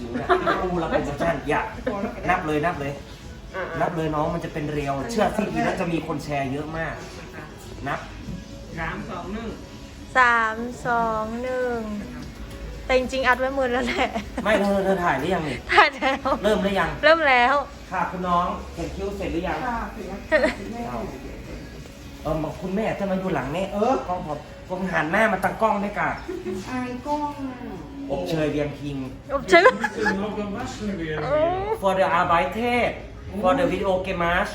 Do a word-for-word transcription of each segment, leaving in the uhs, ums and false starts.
ผิวเนี่ยอูเราเป็นชั้นอย่านับเลยนับเลย นับเลยน้องมันจะเป็นเรียวเชื่อสิทีนั้นจะมีคนแชร์เยอะมาก นับสามสองหนึ่งสามสองหนึ่งแต่จริงๆอัดไว้หมือแล้วแหละไม่เธอเธอถ่ายหรือยังนี่ถ่ายแล้วเริ่มหรือยังเริ่มแล้วค่ะคุณน้องเขียนคิ้วเสร็จหรือยังค่ะเสร็จแล้วค่ะคุณแม่เออมาคุณแม่จะมาอยู่หลังแม่เออกล้องผมผมหันหน้ามาตั้งกล้องด้วยกันอายกล้องอ่ะอบเชยเวียงพิงอบเชย Någon varsel vid โอ้ for the arbeitet for the video games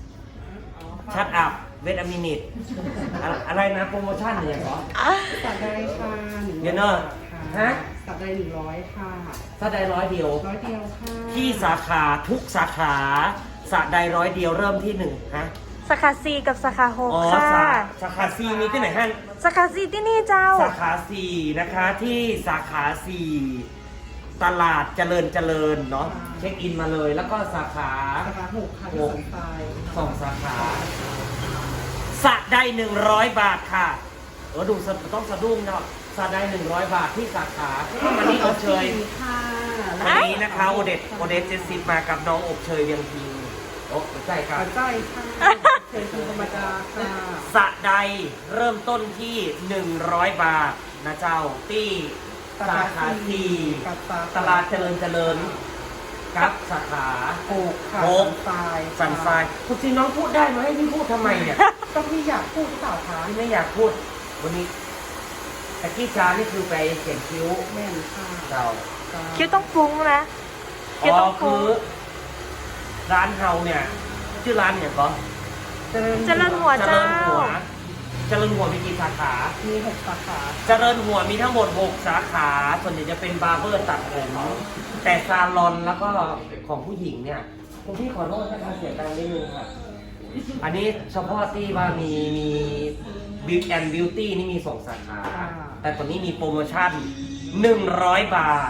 shut up wait a minute อะอะไรนะโปรโมชั่นอย่างเหรอสัปดาห์ค่ะหนึ่งเดี๋ยวเนอะฮะฮะสัปดาห์หนึ่งร้อยค่ะถ้าได้ร้อยเดียวร้อยเดียวค่ะที่สาขาทุกสาขาสาใดร้อยเดียวเริ่มที่หนึ่งฮะสาขาสี่กับสาขาหกอ๋อค่ะสาสาขาซีมีที่ไหนฮะสาขาสี่ที่นี่เจ้าสาขาสี่นะคะที่สาขาสี่ตลาดเจริญเจริญเนาะเช็คอินมาเลยแล้วก็สาขาสาขาหกค่ะที่สันทรายสองสาขาสะได้หนึ่งร้อยบาทค่ะเออดูสะต้องสะดุ้งเนาะสะได้หนึ่งร้อยบาทที่สาขาวันนี้อบเชยค่ะวันนี้นะคะโอเดตโอเดตเจสซิปมากับน้องอบเชยเวียงพิงโอ้ใช่ครับปัจจัยค่ะเชิญคุณธรรมดาค่ะสะใดเริ่มต้นที่หนึ่งร้อยบาทนะเจ้าที่สาขาสี่กับสาขาตลาดเจริญเจริญกับสาขาหกค่ะหกสันทรายสันทรายคุณซีน้องพูดได้ไหมให้พี่พูดทำไมเนี่ยก็พี่อยากพูดหรือเปล่าคะพี่ไม่อยากพูดวันนี้แต่กี้ชานี่คือไปเขียนคิ้วแม่นค่ะเราคิ้วต้องฟุ้งนะคิ้วอ๋อต้องคืฟุ้งอร้านเฮาเนี่ยชื่อร้านเนี่ยก็เจริญเจริญหัวเจริญหัวเจริญหัวมีกี่สาขามีหกสาขาเจริญหัวมีทั้งหมดหกสาขาส่วนใหญ่จะเป็นบาร์เบอร์ตัดผมแต่ซาลอนแล้วก็ของผู้หญิงเนี่ยคุณพี่ขอโทษนะคะเสียงดังนิดนึงค่ะอันนี้เฉพาะที่ว่ามีมีบิวแอนด์บิวตี้นี่มีสองสาขา แต่ตอนนี้มีโปรโมชั่นหนึ่งร้อยบาท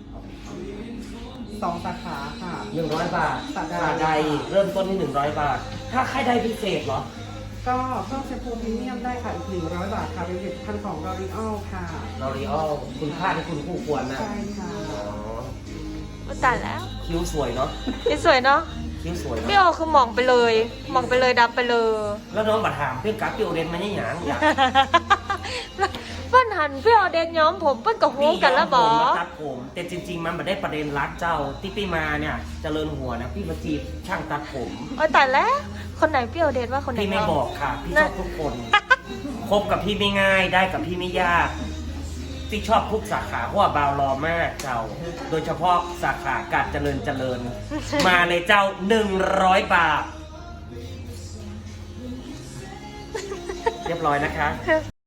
สองสาขาค่ะหนึ่งร้อยบาทสาใดสาใดเริ่มต้นที่หนึ่งร้อยบาท ถ้าใครได้พิเศษเหรอก็เพิ่มแชมพูพรีเมียมได้ค่ะอีกหนึ่งร้อยบาทค่ะเป็นผลิตภัณฑ์ของ L'Oreal ค่ะลอรีออลคุณค่าที่คุณคู่ควรนะใช่ค่ะอ๋อตายแล้วคิ้วสวยเนาะนี่สวยเนาะคิ้วสวยพี่เนาะโอคือหมองไปเลยหมองไปเลยดำไปเลยแล้วน้องบัตรถามเพื่อนกับพี่โอเดนมาเนี่ยหยังอยากเปิ้นหันพี่โอเดนย้อมผมเปิ้นกับหูกันแล้วบอพี่ย้มผมมาตัดผม แต่จริง ๆ มันไม่ได้ประเด็นรักเจ้าที่พี่มาเนี่ยเจริญหัวนะพี่มาจีบช่างตัดผมโอ้ยตายแล้วคนไหนพี่โอเดนว่าคนไหนพี่ไม่เนาะบอกค่ะ พี่ชอบทุกคน คบกับพี่ไม่ง่ายได้กับพี่ไม่ยาก พี่ชอบทุกสาขาเพราะว่าบาวรอมากเจ้า โดยเฉพาะสาขาการเจริญเจริญ มาเลยเจ้าหนึ่งร้อยบาท เรียบร้อยนะคะ